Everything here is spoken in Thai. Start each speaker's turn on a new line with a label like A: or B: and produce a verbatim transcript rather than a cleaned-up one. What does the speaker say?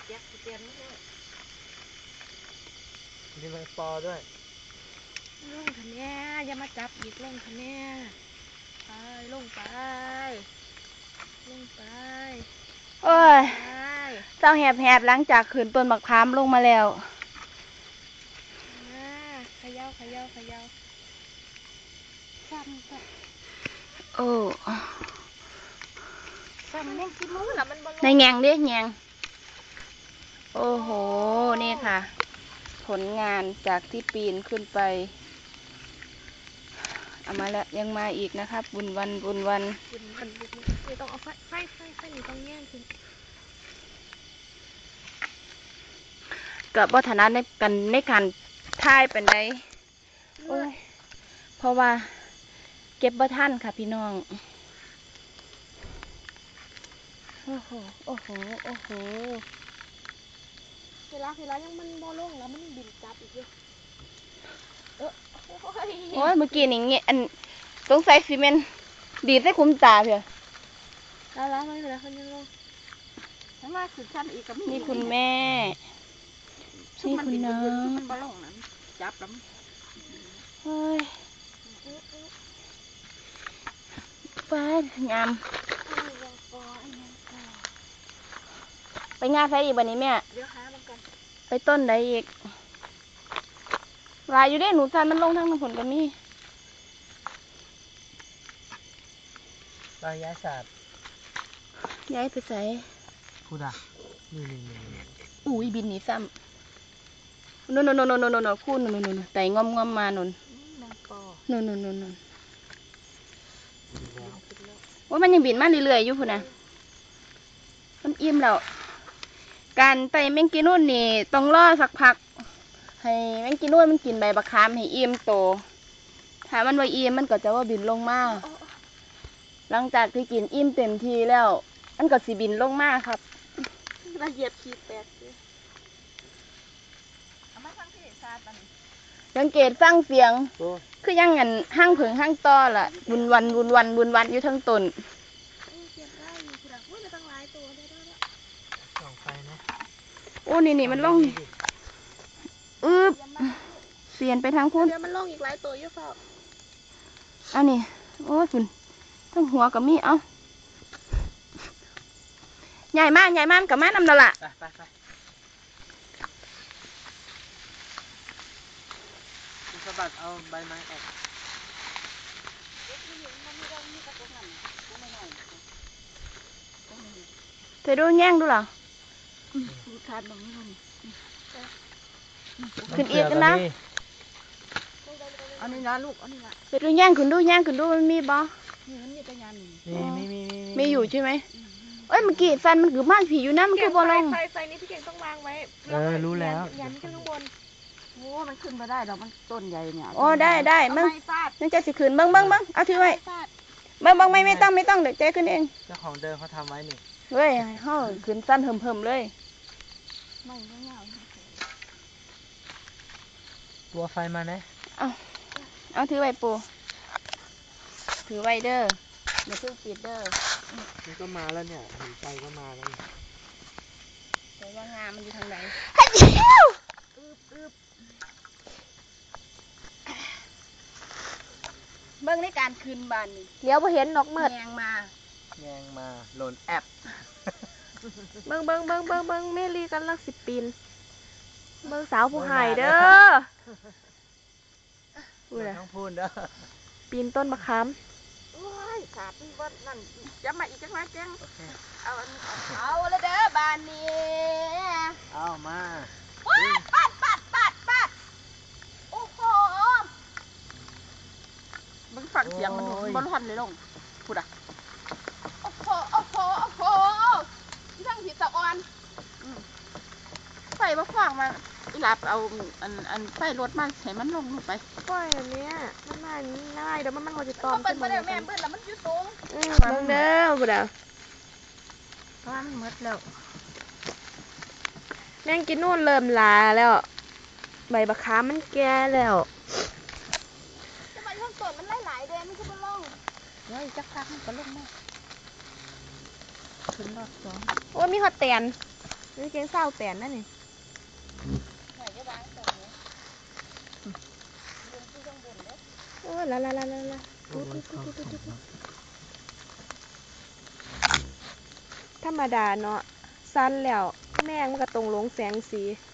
A: แจ๊กเตียนด้วย
B: มีแมงปอด้วย
A: ลงคะแนนอย่ามาจับอีกลงคะแนนไปลงไปลงไป
C: โอ้ยเศร้าแหบๆหลังจากขืนต้นบักพร้ามลงมาแล้ว
A: ขย่าขย่าขย่าซ้ำซ้
C: ำโอ้
A: ซ้ำแม่งกินมือละมันบอล
C: ในแงงเด้แงงโอ้โหนี่ค่ะผลงานจากที่ปีนขึ้นไปเอามาแล้วยังมาอีกนะครับบุญวันบุญวัน
A: บุญวันบุญนี่ต้องเอาไฟไฟไฟไฟนี่ต้องแย่งคุณ
C: กับวัฒนะในกันในการท่ายเป็นไดโอ้ยเพราะว่าเก็บบ่ทันค่ะพี่น้องโอ้โหโอ้โหโอ้โห
A: เวลาเวลายังมันบอลงแล้วมันบินจับอีกเยอะเออ
C: โอ้ยเมื่อกี้นี่เงี้ยอันสงสัยซีเมนต์ดีดใส่คุ้มตาเถอะ
A: แล้วแล้วไม่เป็นไรคนยังลงฉันว่าสุดชั้นอีกกับ
C: นี่คุณแม่นี่คุณน้อง
A: มันบอลงนั้นจับแล้ว
C: เฮ้ยไปงามไปงานไฟอีกวันนี้แม่
A: เดี๋ยวหามันกัน
C: ไปต้นใดอีกลายอยู่ได้หนูจานมันลงทั้งน้ำผลกับมี่
B: ลายย้ายศาสตร์
C: ย้ายไปใส่
B: พูดอ่ะนี่นี่นี่
C: อุ้ยบินหนีซ้ำโน่นโน่นโน่นโน่นโน่นคู่โน่นโน่นไต่งอมงอมมาโน่นโน่นโน่นโน่นโน่นว่ามันยังบินมาเรื่อยๆอยู่พุ่นนะมันอิ่มแล้วการไปแมงกีนุ่นนี่ต้องรอสักพักให้แมงกีนุ่นมันกินใบบักขามให้อิ่มโตถ้ามันว่าอิ่มมันก็จะว่าบินลงมาหลังจากที่กินอิ่มเต็มทีแล้วมันก็สิบินลงมาครับ
A: ละเอียดขีดแตก
C: สังเกตฟังเสียงคือยังงันห้างผึ่งห้างต้อล่ะบุญวันบุญวันบุญวันอยู่ทั้งตนโอ้นี่นี่มันล่องอึบเสียนไปทางพุ่น
A: เดี๋ยวมันล่องอีกหลายตัวเยอะเปล่า
C: อันนี้โอ้ยคุณทั้งหัวกับมีเอ้าใหญ่มากใหญ่มากกับม้านำนั่นล่ะ
B: ไปไปไปคุณสะบัดเอาใบไม้ออก
C: เธอดูแง่งดูหรอขึ้นอีกกันนะ
A: อันนี้นะลูกอันนี้นะ
C: เธอดูแง่งขึ้นดูแง่งขึ้นดูมันมีบ่
A: นี่มันมีแต่ยานนี่
B: มีมีมี
C: มีอยู่ใช่ไหมเอ้ยเมื่อกี้ฟันมันคือบ้านผีอยู่นะมันคือบอลลง
A: ไฟไฟนี้พี่เก่งต้องวางไว้
B: เออรู้แล้ว
A: ยันขึ้นข้างบนโอ้มันขึ้นมาได้ดอกมันต้นใหญ่เนี่ย
C: โอ้ได้ได้มึงนั่นจะสิขึ้นเบิ้งเบิ้งเบิ้งเอาถือไว้เบิ้งเบิ้งไม่ไม่ต้องไม่ต้องเดี๋ยวเจ๊ขึ้นเอง
B: เจ้าของเดิมเขาทำไว้นี่
C: เฮ้ยเฮ้ยขึ้นสั้นเหิมๆเลย
A: ไม่ไม่เงา
B: ตัวไฟมาเนี่ย
C: เอาเอาถือไว้ปูถือไว้เด้อเดี๋ยวเพิ่งปิดเด้อ
B: มันก็มาแล้วเนี่ยเห็นใจก็มาแล้ว
C: แต่ว่างามันอยู่ทางไหนเบิ้งในการคืนบานนี่
A: เดี๋ยวพอเห็นนกเมือด
C: แยงมา
B: แยงมาหล่นแอบ
A: เบิ้งเบิ้งเบิ้งเบิ้งเบิ้งเมลีกันลักสิบปีนเบิ้งสาวผู้หายเด้อ
B: พูดเลยต้องพูดเด้อ
A: ปีนต้นมะขามโอ้ยขาดนี่ว่านั่นจะมาอีกจังไรแจ้งเอา
C: เอาละเด้อบานนี้
B: เอามา
C: ปัดปัดปัดปัดโอ้โห
A: มึงฟังเสียงมันบอลหันเลยลงพูดอ่ะ
C: โอ้โหโอ้โหโอ้โหที่ทั้งผีตะออน
A: ไฟมาขวางมาอีหลับเอาอันอันไฟรถมาให้มันลงลงไปไฟอันเนี้ยมันน่าน่าเดี๋ยวมันมันมันจะตอม
C: เบิ้ลเบิ้ลแม่เบิ้ลแล้วมันอยู่สูง
A: อืมเบิ้งเด้อพูดอ่ะเพราะมันมืดแล้วแม่งกินนู่นเริ่มลาแล้วใบบักขามมันแก่แล้ว
C: จะมาช่องต้นมันหลายๆเดือนมันคือมันลง
A: เฮ้ยจักพักมันก็ลงมาถึงรอบสอง
C: โอ้มีฮอตเตียนนี่เก่งเศร้าแตนนั่นนี่โอ้ยละละละละละธรรมดาเนาะสั้นแล้วแม่งมันก็ตรงลงแสงสี